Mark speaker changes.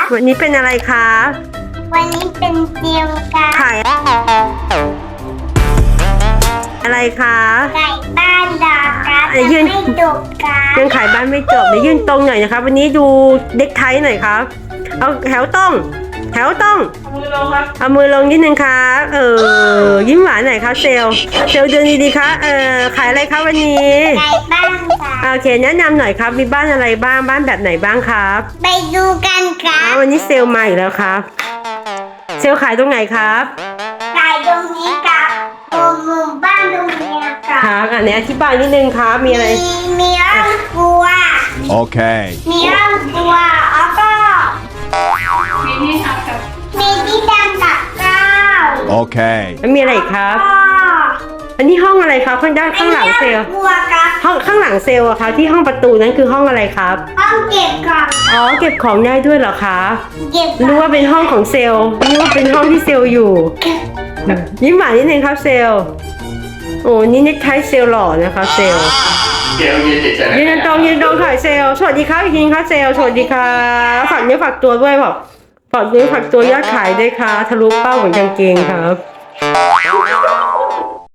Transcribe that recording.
Speaker 1: วันนี้เป็นอะไรคะ
Speaker 2: วันนี้เป็นเจียวครับ
Speaker 1: ขายอะไรคะ
Speaker 2: ไก่บ้านดาครับยังไม่จบครับ
Speaker 1: ยังขายบ้านไม่จบเดี๋ยวยืนตรงหน่อยนะคะวันนี้ดูเด็กไทยหน่อยครับเอาแถวต้องเอามือลงครับเอามือลงนิดนึงครับยิ้มหวานหน่อยครับเซลเดินดีๆครับขายอะไรครับวันนี้
Speaker 2: ไก่บ้านครับ
Speaker 1: โอเคแนะนำหน่อยครับมีบ้านอะไรบ้างบ้านแบบไหนบ้างครับ
Speaker 2: ไปดูกันครับ
Speaker 1: วันนี้เซลมาอีกแล้วครับเซลขายตรงไหนครับ
Speaker 2: ขายตรงนี้ครับหมู่บ้านตรงนี้
Speaker 1: ครับอันนี้อธิบายนิดนึงครับมีอะไร
Speaker 2: มีร่างกลัว
Speaker 3: โอเค
Speaker 2: มีร่างกลัวแล้วก็มีที่ทำกับข้าว
Speaker 3: โอเค
Speaker 1: แล้วมีอะไรอีกครับอันนี้ห้องอะไรครับข้างด้านข้างหลังเซลห้องข้างหลังเซลอะคะที่ห้องประตูนั้นคือห้องอะไรครับ
Speaker 2: ห้องเก็บของ
Speaker 1: เก็บของได้ด้วยเหรอคะรู้ว่าเป็นห้องของเซลรู้ว่าเป็นห้องที่เซลอยู่ยิ้มหวานนิดนึงครับเซลโอ้นี่เน็กไทเซลหล่อนะคะเซลยืนตรงถ่ายเซลสวัสดีครับยิงค่ะเซลสวัสดีค่ะฝากเนื้อฝากตัวด้วยบอกฝากเนื้อฝากตัวยอดขายด้วยค่ะทะลุเป้าเหมือนกางเกงครับ